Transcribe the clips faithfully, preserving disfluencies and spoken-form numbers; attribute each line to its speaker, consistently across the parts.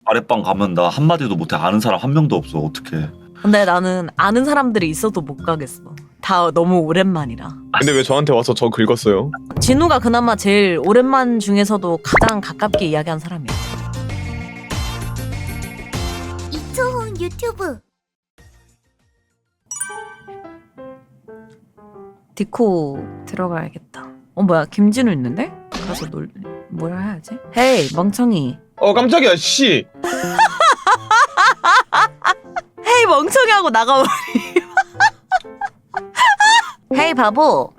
Speaker 1: 아랫방 가면 나 한마디도 못해. 아는 사람 한 명도 없어. 어떡해.
Speaker 2: 근데 나는 아는 사람들이 있어도 못 가겠어. 다 너무 오랜만이라.
Speaker 3: 근데 왜 저한테 와서 저 긁었어요?
Speaker 2: 진우가 그나마 제일 오랜만 중에서도 가장 가깝게 이야기한 사람이야.
Speaker 4: 이초훈 유튜브.
Speaker 2: 디코 들어가야겠다. 어 뭐야 김진우 있는데? 가서 놀 뭐라 해야지? 헤이 멍청이.
Speaker 3: 어 깜짝이야 씨.
Speaker 2: 헤이 멍청이 하고 나가버리. 헤이 바보.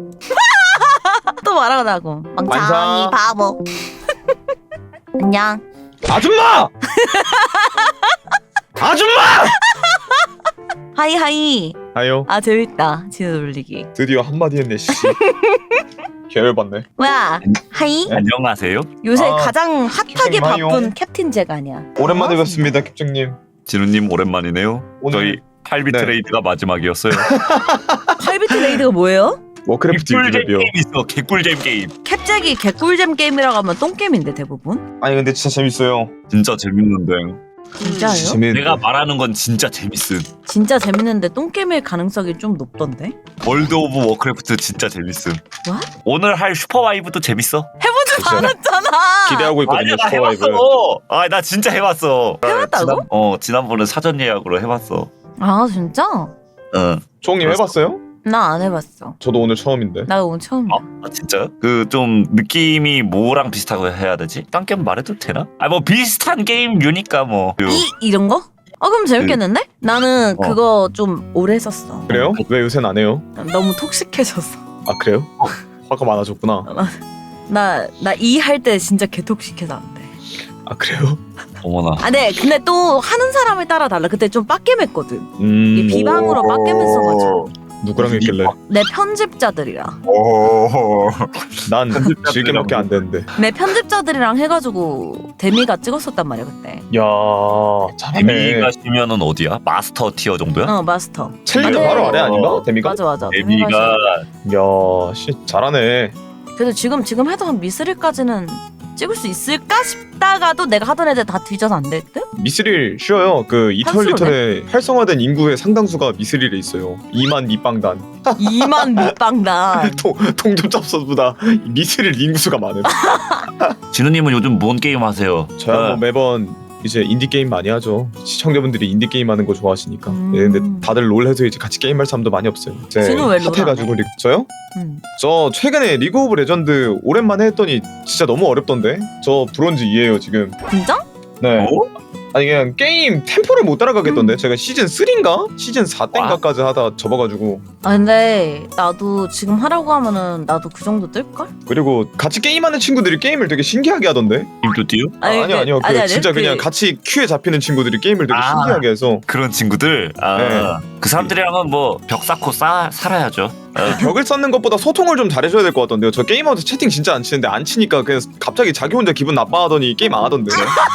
Speaker 2: 또 말하고 나고. 멍청이
Speaker 3: 완성.
Speaker 2: 바보. 안녕.
Speaker 3: 아줌마! 아줌마!
Speaker 2: 하이 하이.
Speaker 3: 아요.
Speaker 2: 아 재밌다. 진우 놀리기.
Speaker 3: 드디어 한마디 했네 씨. 개열받네.
Speaker 2: 뭐야? 하이.
Speaker 1: 안녕하세요.
Speaker 2: 요새
Speaker 3: 아,
Speaker 2: 가장 핫하게
Speaker 3: 캡틴 마요.
Speaker 2: 바쁜 캡틴 잭 아니야?
Speaker 3: 오랜만에 뵙습니다 캡장님.
Speaker 1: 진우님 오랜만이네요.
Speaker 3: 오늘-
Speaker 1: 저희 팔 비트
Speaker 3: 네.
Speaker 1: 레이드가 마지막이었어요.
Speaker 2: 팔비트 레이드가 뭐예요?
Speaker 3: 워크래프트
Speaker 1: 개꿀잼
Speaker 3: 유저비요.
Speaker 1: 게임 있어. 개꿀잼 게임.
Speaker 2: 캡잭이 개꿀잼 게임이라고 하면 똥게임인데 대부분?
Speaker 3: 아니 근데 진짜 재밌어요.
Speaker 1: 진짜 재밌는데.
Speaker 2: 진짜요?
Speaker 3: 진짜 재밌는데.
Speaker 1: 내가 말하는 건 진짜 재밌음.
Speaker 2: 진짜 재밌는데 똥게임일 가능성이 좀 높던데?
Speaker 1: 월드 오브 워크래프트 진짜 재밌음.
Speaker 2: What?
Speaker 1: 오늘 할 슈퍼와이브도 재밌어.
Speaker 2: 해보지
Speaker 3: 진짜.
Speaker 2: 않았잖아.
Speaker 3: 기대하고 있거든요
Speaker 1: 아니야 나
Speaker 3: 슈퍼와이브.
Speaker 1: 해봤어. 아 나 진짜 해봤어.
Speaker 2: 해봤다고?
Speaker 1: 지난, 어 지난번에 사전 예약으로 해봤어.
Speaker 2: 아 진짜?
Speaker 1: 응.
Speaker 3: 초홍님 해봤어요?
Speaker 2: 나 안 해봤어.
Speaker 3: 저도 오늘 처음인데.
Speaker 2: 나 오늘 처음이야.
Speaker 1: 아 진짜요? 그 좀 느낌이 뭐랑 비슷하고 해야 되지? 딴 게임 말해도 되나? 아 뭐 비슷한 게임류니까 뭐.
Speaker 2: 이 이런 거? 어 그럼 재밌겠는데? 나는
Speaker 1: 어.
Speaker 2: 그거 좀 오래 했었어.
Speaker 3: 그래요? 왜 요새는 안 해요?
Speaker 2: 너무 톡식해졌어.
Speaker 3: 아 그래요? 화가 많아졌구나.
Speaker 2: 나 나 이 할 때 진짜 개톡식해서 안 돼.
Speaker 3: 아 그래요?
Speaker 1: 어머나.
Speaker 2: 아 네. 근데 또 하는 사람에 따라 달라. 그때 좀 빡겜했거든.
Speaker 3: 음.
Speaker 2: 이 비방으로 빡겜했어가지고.
Speaker 3: 누구랑 했길래?
Speaker 2: 내 편집자들이랑
Speaker 3: 난 즐겨먹게 안 되는데.
Speaker 2: 내 편집자들이랑 해가지고 데미가 찍었었단 말이야 그때.
Speaker 3: 야 잘하네.
Speaker 1: 데미가 시면은 어디야? 마스터 티어 정도야?
Speaker 2: 어 마스터.
Speaker 3: 챌린저
Speaker 2: 근데-
Speaker 3: 바로 아래 아닌가? 데미가?
Speaker 2: 맞아 맞아.
Speaker 1: 데미가
Speaker 3: 야, 씨 잘하네.
Speaker 2: 그래도 지금 지금 해도 한 미스릴까지는 찍을 수 있을까 싶다가도 내가 하던 애들 다 뒤져서 안 될 듯?
Speaker 3: 미스릴 쉬워요. 그 이터널리턴의 활성화된 인구의 상당수가 미스릴에 있어요. 이만 밑방단.
Speaker 2: 이만 밑방단.
Speaker 3: 통 통접잡서보다 미스릴 인구수가 많음.
Speaker 1: 진우님은 요즘 뭔 게임 하세요?
Speaker 3: 저야 뭐
Speaker 1: 어,
Speaker 3: 매번 이제 인디 게임 많이 하죠. 시청자분들이 인디 게임 하는 거 좋아하시니까.
Speaker 2: 음.
Speaker 3: 예, 근데 다들 롤 해서 이제 같이 게임할 사람도 많이 없어요. 이제
Speaker 2: 진우 왜 롤
Speaker 3: 핫해가지고 리... 저요?
Speaker 2: 음.
Speaker 3: 저 최근에 리그 오브 레전드 오랜만에 했더니 진짜 너무 어렵던데. 저 브론즈 이에요 지금.
Speaker 2: 진짜?
Speaker 3: 네.
Speaker 1: 어?
Speaker 3: 아니 그냥 게임 템포를 못 따라가겠던데. 제가 시즌 삼인가? 시즌 사 땐가까지 하다 접어가지고.
Speaker 2: 아 근데 나도 지금 하라고 하면은 나도 그 정도 뜰걸?
Speaker 3: 그리고 같이 게임하는 친구들이 게임을 되게 신기하게 하던데.
Speaker 1: 임도 띄우?
Speaker 3: 아, 아니요
Speaker 2: 그-
Speaker 3: 아니요. 그
Speaker 2: 아니, 아니,
Speaker 3: 진짜
Speaker 2: 그-
Speaker 3: 그냥 같이 큐에 잡히는 친구들이 게임을 되게
Speaker 1: 아.
Speaker 3: 신기하게 해서
Speaker 1: 그런 친구들. 아,
Speaker 3: 네.
Speaker 1: 그 사람들이랑은 뭐 벽 쌓고 싸 살아야죠. 어.
Speaker 3: 벽을 쌓는 것보다 소통을 좀 잘해줘야 될 것 같던데요. 저 게임하면서 채팅 진짜 안 치는데 안 치니까 그냥 갑자기 자기 혼자 기분 나빠하더니 게임 안 하던데.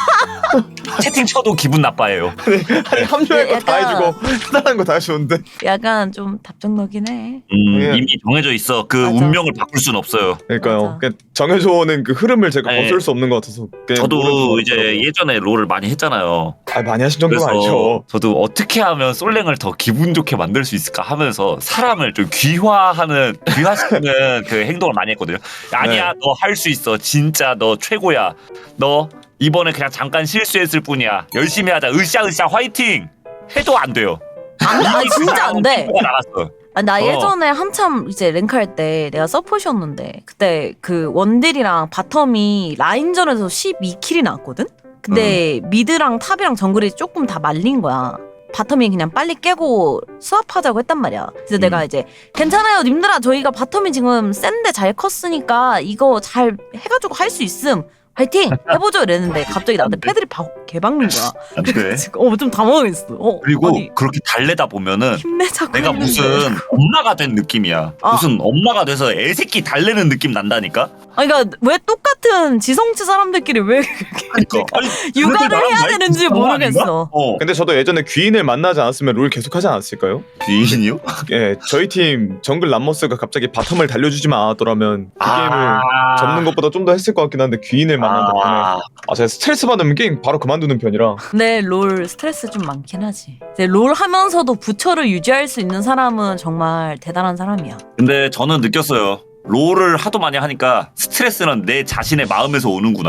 Speaker 1: 채팅 쳐도 기분 나빠해요.
Speaker 3: 아니 합류할 거 다
Speaker 2: 약간-
Speaker 3: 해주고 해달라는 거 다 해주는데.
Speaker 2: 약간 좀 답정너긴 해.
Speaker 1: 음,
Speaker 3: 예.
Speaker 1: 이미 정해져 있어. 그
Speaker 2: 맞아.
Speaker 1: 운명을 바꿀 순 없어요.
Speaker 3: 그러니까요.
Speaker 2: 맞아.
Speaker 3: 그냥 정해줘오는 그 흐름을 제가
Speaker 1: 네.
Speaker 3: 거슬 수 없는 것 같아서. 그냥
Speaker 1: 저도
Speaker 3: 모르는
Speaker 1: 이제
Speaker 3: 것 같더라고요.
Speaker 1: 예전에 롤을 많이 했잖아요.
Speaker 3: 아 많이 하신 정도는
Speaker 1: 그래서
Speaker 3: 아니죠.
Speaker 1: 저도 어떻게 하면 솔랭을 더 기분 좋게 만들 수 있을까 하면서 사람을 좀 귀화하는 귀화시키는 그 행동을 많이 했거든요. 아니야,
Speaker 3: 네.
Speaker 1: 너 할 수 있어. 진짜 너 최고야. 너 이번에 그냥 잠깐 실수했을 뿐이야. 열심히 하자. 으쌰으쌰 화이팅. 해도 안 돼요.
Speaker 2: 안 돼. 아 진짜 안 돼.
Speaker 1: 가 나갔어.
Speaker 2: 아, 나
Speaker 1: 어.
Speaker 2: 예전에 한참 이제 랭크할 때 내가 서폿이었는데 그때 그 원딜이랑 바텀이 라인전에서 십이 킬이 나왔거든? 근데 미드랑 탑이랑 정글이 조금 다 말린 거야. 바텀이 그냥 빨리 깨고 수합하자고 했단 말이야. 그래서
Speaker 1: 음.
Speaker 2: 내가 이제 괜찮아요 님들아 저희가 바텀이 지금 센데 잘 컸으니까 이거 잘 해가지고 할 수 있음. 화이팅! 해보죠 이랬는데 갑자기 나한테 패드립 바- 개박는 거야.
Speaker 1: 안 돼.
Speaker 2: 어, 좀 당황했어. 어,
Speaker 1: 그리고
Speaker 2: 아니,
Speaker 1: 그렇게 달래다 보면은
Speaker 2: 힘내자고
Speaker 1: 내가
Speaker 2: 했는데.
Speaker 1: 무슨 엄마가 된 느낌이야.
Speaker 2: 아.
Speaker 1: 무슨 엄마가 돼서 애새끼 달래는 느낌 난다니까.
Speaker 2: 아니 그러니까 왜 똑같은 지성치 사람들끼리 왜
Speaker 1: 그러니까. 아니,
Speaker 2: 육아를
Speaker 1: 나랑
Speaker 2: 해야
Speaker 1: 나이
Speaker 2: 되는지
Speaker 1: 비슷한 거
Speaker 2: 모르겠어.
Speaker 1: 아닌가? 어.
Speaker 3: 근데 저도 예전에 귀인을 만나지 않았으면 롤 계속하지 않았을까요?
Speaker 1: 귀인이요?
Speaker 3: 예, 저희 팀 정글 람머스가 갑자기 바텀을 달려주지만 않았더라면 그 게임을 접는 것보다 좀 더 했을 것 같긴 한데 귀인을 만난 덕분에
Speaker 1: 아,
Speaker 3: 아 제가 스트레스 받으면 게임 바로 그만두는 편이라
Speaker 2: 근데 롤 스트레스 좀 많긴 하지. 이제 롤 하면서도 부처를 유지할 수 있는 사람은 정말 대단한 사람이야.
Speaker 1: 근데 저는 느꼈어요. 롤을 하도 많이 하니까 스트레스는 내 자신의 마음에서 오는구나.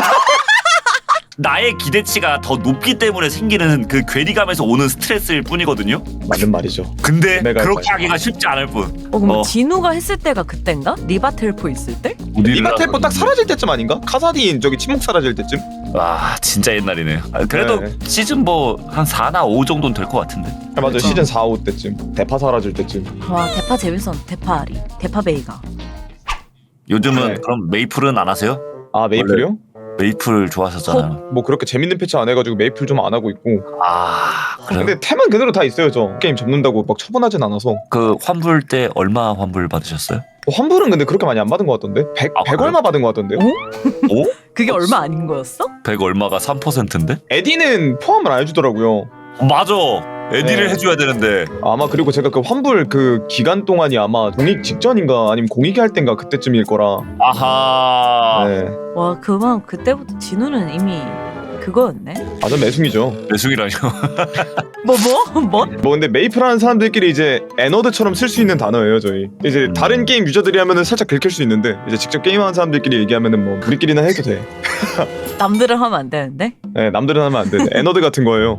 Speaker 1: 나의 기대치가 더 높기 때문에 생기는 그 괴리감에서 오는 스트레스일 뿐이거든요.
Speaker 3: 맞는 말이죠.
Speaker 1: 근데
Speaker 3: 내가
Speaker 1: 그렇게
Speaker 3: 잘-
Speaker 1: 하기가 쉽지 않을 뿐.
Speaker 2: 어 그럼
Speaker 1: 어.
Speaker 2: 진우가 했을 때가 그땐가? 리바텔포 있을 때?
Speaker 3: 리바텔포 딱 사라질 때쯤 아닌가? 카사딘 저기 침묵 사라질 때쯤?
Speaker 1: 와 진짜 옛날이네. 아, 그래도
Speaker 3: 네.
Speaker 1: 시즌 뭐 한 사나 오 정도는 될 것 같은데.
Speaker 3: 아, 맞아
Speaker 2: 그쵸.
Speaker 3: 시즌 사, 오 때쯤 대파 사라질 때쯤.
Speaker 2: 와 대파 재밌었. 대파리, 대파 베이가.
Speaker 1: 요즘은
Speaker 3: 네.
Speaker 1: 그럼 메이플은 안 하세요?
Speaker 3: 아 메이플이요?
Speaker 1: 메이플 좋아하셨잖아요.
Speaker 3: 뭐 그렇게 재밌는 패치 안 해가지고 메이플 좀 안 하고 있고.
Speaker 1: 아 그래요?
Speaker 3: 근데 템은 그대로 다 있어요 저. 게임 접는다고 막 처분하진 않아서.
Speaker 1: 그 환불 때 얼마 환불 받으셨어요?
Speaker 3: 어, 환불은 근데 그렇게 많이 안 받은 것 같던데? 백,
Speaker 1: 아,
Speaker 3: 백
Speaker 1: 그래요?
Speaker 3: 얼마 받은 것 같던데요?
Speaker 1: 오?
Speaker 2: 그게 얼마 아닌 거였어?
Speaker 1: 백 얼마가 삼 퍼센트인데?
Speaker 3: 에디는 포함을 안 해주더라고요.
Speaker 1: 맞아. 에디를
Speaker 3: 네.
Speaker 1: 해줘야 되는데.
Speaker 3: 아마 그리고 제가 그 환불 그 기간 동안이 아마 공익 직전인가 아니면 공익이 할 땐가 그때쯤일 거라.
Speaker 1: 아하.
Speaker 3: 네.
Speaker 2: 와 그만 그때부터 진우는 이미 그거였네.
Speaker 3: 아전 매숭이죠.
Speaker 1: 매승이라뇨.
Speaker 2: 뭐 뭐? 뭐?
Speaker 3: 뭐 근데 메이플하는 사람들끼리 이제 애너드처럼 쓸 수 있는 단어예요 저희. 이제 다른 게임 유저들이 하면은 살짝 긁힐 수 있는데 이제 직접 게임하는 사람들끼리 얘기하면은 뭐 우리끼리는 해도 돼.
Speaker 2: 남들은 하면 안 되는데?
Speaker 3: 네, 남들은 하면 안 돼. 애너드 같은 거예요.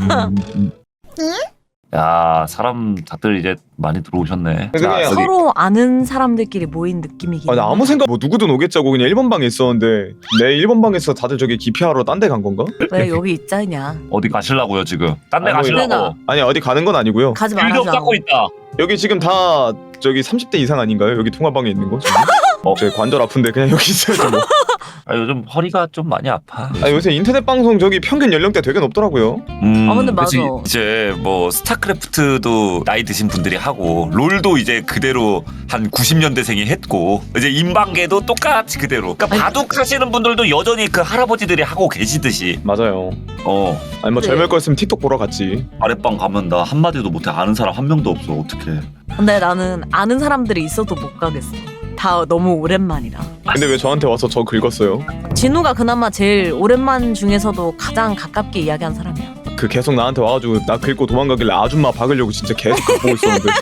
Speaker 1: 야 사람 다들 이제 많이 들어오셨네.
Speaker 3: 근데
Speaker 1: 자,
Speaker 3: 그냥
Speaker 1: 여기
Speaker 2: 서로 아는 사람들끼리 모인 느낌이긴.
Speaker 3: 아, 나 아무 생각 뭐 누구든 오겠자고 그냥 일 번 방에 있었는데 내 일 번 방에서 다들 저기 기피하러 딴 데 간 건가?
Speaker 2: 왜 여기 있자냐?
Speaker 1: 어디 가실라고요 지금? 딴 데
Speaker 3: 아니, 뭐
Speaker 1: 가실라고.
Speaker 3: 아니 어디 가는 건 아니고요.
Speaker 2: 가지
Speaker 1: 빌드업
Speaker 2: 말아줘.
Speaker 1: 쌓고 있다.
Speaker 3: 여기 지금 다 저기 삼십 대 이상 아닌가요? 여기 통화방에 있는 거? 지금?
Speaker 1: 어.
Speaker 3: 제 관절 아픈데 그냥 여기 있어요. 뭐.
Speaker 1: 아, 요즘 허리가 좀 많이 아파.
Speaker 3: 아 요새 인터넷 방송 저기 평균 연령대 되게 높더라고요.
Speaker 1: 음,
Speaker 2: 아, 근데
Speaker 1: 그치.
Speaker 2: 맞아.
Speaker 1: 이제 뭐 스타크래프트도 나이 드신 분들이 하고 롤도 이제 그대로 한 구십 년대생이 했고 이제 인방계도 똑같이 그대로. 그러니까
Speaker 2: 아니,
Speaker 1: 바둑 하시는 분들도 여전히 그 할아버지들이 하고 계시듯이.
Speaker 3: 맞아요.
Speaker 1: 어
Speaker 3: 아니 뭐
Speaker 2: 네.
Speaker 3: 젊을 거였으면 틱톡 보러 갔지.
Speaker 1: 아랫방 가면 나 한마디도 못해. 아는 사람 한 명도 없어. 어떡해.
Speaker 2: 근데 나는 아는 사람들이 있어도 못 가겠어. 다 너무 오랜만이라.
Speaker 3: 근데 왜 저한테 와서 저 긁었어요?
Speaker 2: 진우가 그나마 제일 오랜만 중에서도 가장 가깝게 이야기한 사람이야.
Speaker 3: 그 계속 나한테 와가지고 나 긁고 도망가길래 아줌마 박으려고 진짜 계속 그거 보고 있었는데.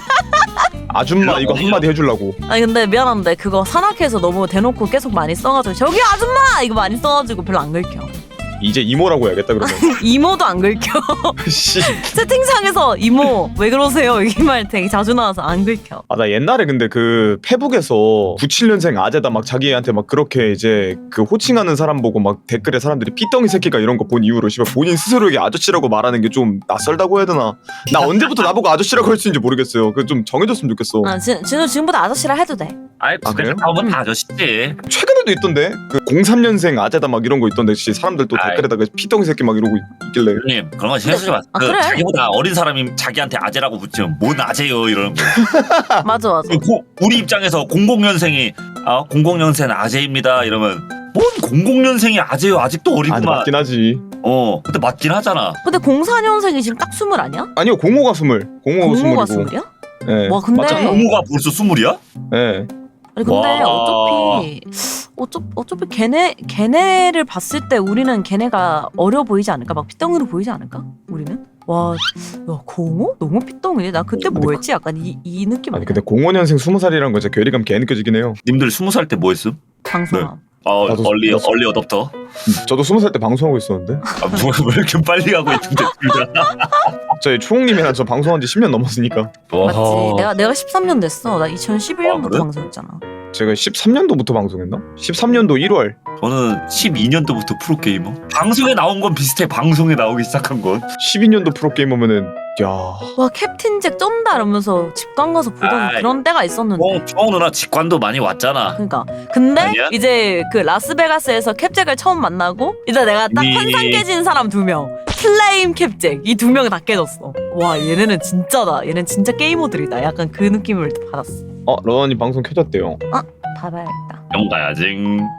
Speaker 3: 아줌마 이거 한마디 해주려고.
Speaker 2: 아니 근데 미안한데 그거 산악회에서 너무 대놓고 계속 많이 써가지고 저기 아줌마 이거 많이 써가지고 별로 안 긁혀.
Speaker 3: 이제 이모라고 해야겠다 그러면.
Speaker 2: 이모도 안 긁혀.
Speaker 3: 씨.
Speaker 2: 채팅창에서 이모 왜 그러세요 이 말 되게 자주 나와서 안 긁혀.
Speaker 3: 아 나 옛날에 근데 그 페북에서 구십칠 년생 아재다 막 자기한테 막 그렇게 이제 그 호칭하는 사람 보고 막 댓글에 사람들이 삐덩이 새끼가 이런 거 본 이후로 씨발 본인 스스로에게 아저씨라고 말하는 게 좀 낯설다고 해야 되나? 나 언제부터 나보고 아저씨라고 할 수 있는지 모르겠어요. 그 좀 정해줬으면 좋겠어.
Speaker 2: 아 진, 진우 지금부터 아저씨라 해도 돼.
Speaker 1: 아이
Speaker 3: 아, 그래요?
Speaker 1: 나오면 다 아저씨지.
Speaker 3: 최근에도 있던데 그 공삼 년생 아재다 막 이런 거 있던데 씨 사람들 또
Speaker 1: 아이.
Speaker 3: 댓글에다가 삐덩이 새끼 막 이러고 있길래.
Speaker 1: 형님 그런 거 신경 쓰지 마세요.
Speaker 2: 아,
Speaker 1: 그
Speaker 2: 그래?
Speaker 1: 자기보다 어린 사람이 자기한테 아재라고 붙이면 뭔 아재요 이러는 거.
Speaker 2: 맞아 맞아.
Speaker 1: 고, 우리 입장에서 공공 년생이 아 공공 년생 아재입니다 이러면 뭔 공공 년생이 아재요 아직도
Speaker 3: 아
Speaker 1: 어리구만.
Speaker 3: 맞긴 하지.
Speaker 1: 어 근데 맞긴 하잖아.
Speaker 2: 근데 공사 년생이 지금 딱 스물 아니야?
Speaker 3: 아니요 공호가 스물. 공호가
Speaker 2: 공모가
Speaker 3: 스물이고.
Speaker 2: 스물이야?
Speaker 3: 예.
Speaker 2: 와 근데
Speaker 1: 맞아 공모가 벌써 스물이야?
Speaker 3: 예.
Speaker 2: 아니 근데
Speaker 1: 와.
Speaker 2: 어차피 어차, 어차피 걔네 걔네를 봤을 때 우리는 걔네가 어려 보이지 않을까? 막 피덩이로 보이지 않을까? 우리는? 와, 야 공호? 너무 피덩이네. 나 그때 뭐였지? 약간 이, 이 느낌
Speaker 3: 아니
Speaker 2: 아니야?
Speaker 3: 근데 공오 년생 스무 살이란 거 진짜 괴리감 개 느껴지긴 해요.
Speaker 1: 님들 스무 살 때 뭐 했음?
Speaker 2: 방송함.
Speaker 1: 어
Speaker 3: 나도
Speaker 1: 얼리
Speaker 3: 나도
Speaker 1: 얼리 어답터.
Speaker 3: 저도 스무 살 때 방송하고 있었는데.
Speaker 1: 아, 뭐, 왜 이렇게 빨리 하고 있는데 둘 다.
Speaker 3: 저희 초홍님이랑 저 방송한 지 십 년 넘었으니까.
Speaker 2: 맞지? 내가 내가 십삼 년 됐어. 나 이천십일 년부터
Speaker 1: 아, 그래?
Speaker 2: 방송했잖아.
Speaker 3: 제가 십삼 년도부터 방송했나? 십삼 년도 일월.
Speaker 1: 저는 십이 년도부터 프로게이머. 방송에 나온 건 비슷해. 방송에 나오기 시작한 건.
Speaker 3: 십이 년도 프로게이머면은 야.
Speaker 2: 와 캡틴 잭 쩐다 이러면서 집관 가서 보던
Speaker 1: 아이.
Speaker 2: 그런 때가 있었는데.
Speaker 1: 어, 정우 누나 직관도 많이 왔잖아.
Speaker 2: 그러니까 근데
Speaker 1: 아니야?
Speaker 2: 이제 그 라스베가스에서 캡잭을 처음 만나고 이제 내가 딱
Speaker 1: 이미-
Speaker 2: 환상 깨진 사람 두 명 플레임 캡잭 이 두 명이 다 깨졌어. 와 얘네는 진짜다. 얘는 진짜 게이머들이다. 약간 그 느낌을 받았어.
Speaker 3: 어 러너님 방송 켜졌대요.
Speaker 2: 봐봐야겠다.
Speaker 1: 영 가야지.